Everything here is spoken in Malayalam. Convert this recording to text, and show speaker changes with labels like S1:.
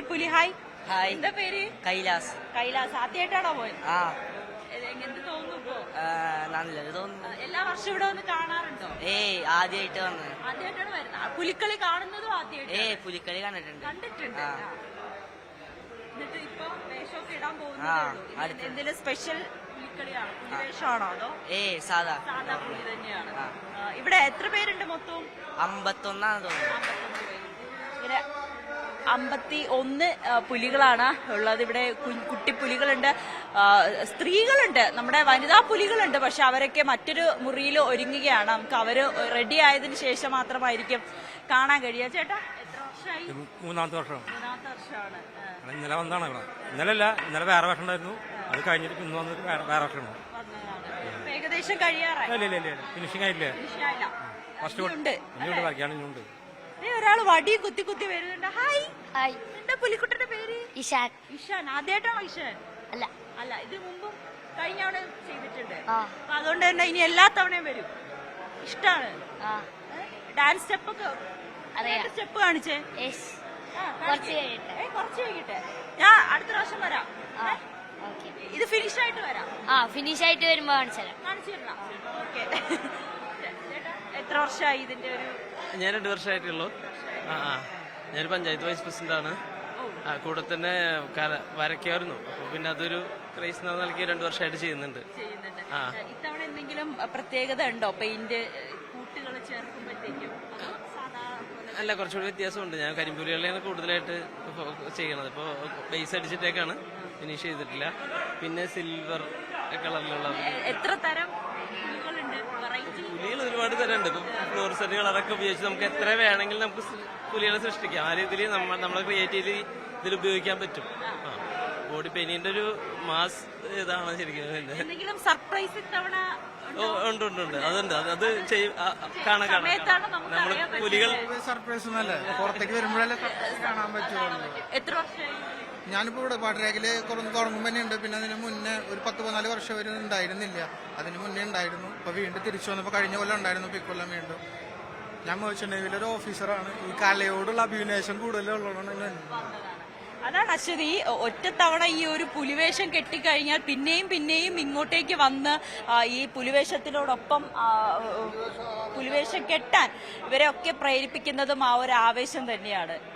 S1: പുലിപ്പുലി ഹായ്.
S2: ഹായ്.
S1: എന്താ പേര്?
S2: കൈലാസ്.
S1: കൈലാസ്. ആദ്യമായിട്ടാണോ പോയത്?
S2: ആ
S1: എന്ത് തോന്നുന്നു ഇപ്പോ?
S2: നല്ലത് തോന്നുന്നു.
S1: എല്ലാ വർഷവും ഇവിടെ വന്ന് കാണാറുണ്ടോ?
S2: ആദ്യമായിട്ട് വന്നത്.
S1: ആദ്യമായിട്ടാണ് വരുന്നത്. പുലിക്കളി കാണുന്നതും ആദ്യമായിട്ട്?
S2: പുലിക്കളി കണ്ടിട്ടുണ്ട്.
S1: കണ്ടിട്ടുണ്ട്.
S2: ആ.
S1: എന്നിട്ട് ഇപ്പൊ വേഷമൊക്കെ ഇടാൻ
S2: ആ,
S1: പോകുന്നത്
S2: അടുത്ത്.
S1: എന്തെങ്കിലും സ്പെഷ്യൽ പുലിക്കളിയാണോ? പുലിവേഷമാണോ അതോ
S2: സാധാ
S1: സാധാ പുലി തന്നെയാണ്?
S2: ആ.
S1: ഇവിടെ എത്ര പേരുണ്ട് മൊത്തം?
S2: 51 തോന്നുന്നു.
S1: 51 പേര്. ഇങ്ങനെ 51 പുലികളാണ് ഉള്ളത് ഇവിടെ. കുട്ടിപ്പുലികളുണ്ട്, സ്ത്രീകളുണ്ട്, നമ്മുടെ വനിതാ പുലികളുണ്ട്. പക്ഷെ അവരൊക്കെ മറ്റൊരു മുറിയിൽ ഒരുങ്ങുകയാണ്. നമുക്ക് അവര് റെഡി ആയതിനു ശേഷം മാത്രമായിരിക്കും കാണാൻ കഴിയുക. ചേട്ടാ എത്ര വർഷമായി?
S3: മൂന്നാമത്തെ വർഷം.
S1: മൂന്നാമത്തെ വർഷമാണ്.
S3: ഇന്നലെ വന്നാണ് ഇവിടെ. ഇന്നലെ വേറെ വർഷം ഉണ്ടായിരുന്നു. അത് കഴിഞ്ഞിട്ട് ഇന്ന് വന്നിട്ട് വേറെ വർഷം ഉണ്ട്.
S1: വന്നതാണ്. ഏകദേശം കഴിയാറായി.
S3: ഇല്ല ഫിനിഷിംഗ് ആയില്ലേ?
S1: ഫിനിഷായില്ല.
S3: ഫസ്റ്റ്
S1: ഇനിയുണ്ട്.
S3: ഇനിയുണ്ട് വരയ്ക്കാണ് ഇനിയുണ്ട്.
S1: ഒരാള് വടി കുത്തി കുത്തി വരുന്നുണ്ട്. ഹായ്.
S4: ഹായ്.
S1: എന്താ പുലിക്കുട്ടന്റെ പേര്?
S4: ഇഷാൻ.
S1: ഇഷാൻ. ആദ്യമായിട്ടാണോ ഇഷാൻ?
S4: അല്ല.
S1: അല്ല, ഇത് മുമ്പും കഴിഞ്ഞ തവണ ചെയ്തിട്ടുണ്ട്.
S4: ആ.
S1: അപ്പൊ അതുകൊണ്ട് തന്നെ ഇനി എല്ലാ തവണയും വരും. ഇഷ്ടാണ്.
S4: ആ.
S1: ഡാൻസ് സ്റ്റെപ്പ് ഒക്കെ
S4: അറിയാം.
S1: സ്റ്റെപ്പ് കാണിച്ചേ.
S4: യെസ്.
S1: ആ,
S4: കുറച്ച്
S1: കാണിക്ക്.
S4: കഴിയട്ടെ.
S1: കുറച്ച് കഴിഞ്ഞിട്ട് ഞാൻ അടുത്ത പ്രാവശ്യം വരാം.
S4: ആ. ഓക്കെ.
S1: ഇത് ഫിനിഷ് ആയിട്ട് വരാം.
S4: ആ ഫിനിഷ് ആയിട്ട് വരുമ്പോ കാണിച്ചു തരാം.
S1: കാണിച്ചു തരണം. ഓക്കെ. എത്ര വർഷമായി ഇതിന്റെ ഒരു?
S5: ഞാൻ 2 വർഷമായിട്ടുള്ളൂ. ഞാനൊരു പഞ്ചായത്ത് വൈസ് പ്രസിഡന്റ് ആണ്. കൂടെ തന്നെ വരയ്ക്കായിരുന്നു. അപ്പൊ പിന്നെ അതൊരു ക്രൈസ് എന്ന നിലയ്ക്ക് 2 വർഷമായിട്ട് ചെയ്യുന്നുണ്ട്.
S1: ഇത്തവണ എന്തെങ്കിലും പ്രത്യേകത ഉണ്ടോ? പെയിന്റ് കൂട്ടുകൾ ചേർക്കുമ്പോഴത്തേക്കും
S5: അല്ല, കുറച്ചുകൂടി വ്യത്യാസമുണ്ട്. ഞാൻ കരിമ്പുലികളെയാണ് കൂടുതലായിട്ട് ചെയ്യണത്. ഇപ്പോൾ ബേസ് അടിച്ചിട്ടേക്കാണ്, ഫിനിഷ് ചെയ്തിട്ടില്ല. പിന്നെ സിൽവർ കളറിലുള്ള
S1: എത്ര തരം പുലികളുണ്ട്? വെറൈറ്റി
S5: പുലികൾ ഒരുപാട് തരമുണ്ട്. ഇപ്പൊ ഫ്ലോറിസെന്റ് കളറൊക്കെ ഉപയോഗിച്ച് നമുക്ക് എത്ര വേണമെങ്കിലും നമുക്ക് പുലികളെ സൃഷ്ടിക്കാം. ആ രീതിയിൽ നമ്മളെ ക്രിയേറ്റീവ്ലി ഇതിൽ ഉപയോഗിക്കാൻ പറ്റും. ബോഡി പെയിന്റിന്റെ ഒരു മാസ് ഇതാണ് ശരിക്കും.
S1: എന്തെങ്കിലും സർപ്രൈസ് ഇത്തവണ
S5: ഉണ്ട് അതുണ്ട്. അത് കാണാൻ നമ്മള് പുലികൾ
S6: സർപ്രൈസ് ഒന്നല്ലേ, പുറത്തേക്ക് വരുമ്പോഴല്ലേ കാണാൻ പറ്റുള്ളൂ.
S1: എത്ര വർഷമായി?
S6: ഞാനിപ്പോ ഇവിടെ പാട്ടരേഖില് തുടങ്ങുമ്പോ തന്നെ ഉണ്ട്. പിന്നെ അതിന് മുന്നേ ഒരു 10-14 വർഷം വരെ ഉണ്ടായിരുന്നില്ല. അതിന് മുന്നേ ഉണ്ടായിരുന്നു. ഇപ്പൊ വീണ്ടും തിരിച്ചു വന്നപ്പോ കഴിഞ്ഞ കൊല്ലം ഉണ്ടായിരുന്നു. ഇപ്പൊ ഇക്കൊല്ലം വീണ്ടും. ഞാൻ മേർച്ചന്റ് നേവിയിലെ ഒരു ഓഫീസറാണ്. ഈ കലയോടുള്ള അഭിനിവേശം കൂടുതലുള്ളതാണ്.
S1: അതാണ് അശ്വതി, ഒറ്റത്തവണ ഈ ഒരു പുലിവേഷം കെട്ടിക്കഴിഞ്ഞാൽ പിന്നെയും ഇങ്ങോട്ടേക്ക് വന്ന് ഈ പുലിവേഷത്തിനോടൊപ്പം പുലിവേഷം കെട്ടാൻ ഇവരെ ഒക്കെ പ്രേരിപ്പിക്കുന്നതും ആ ഒരു ആവേശം തന്നെയാണ്.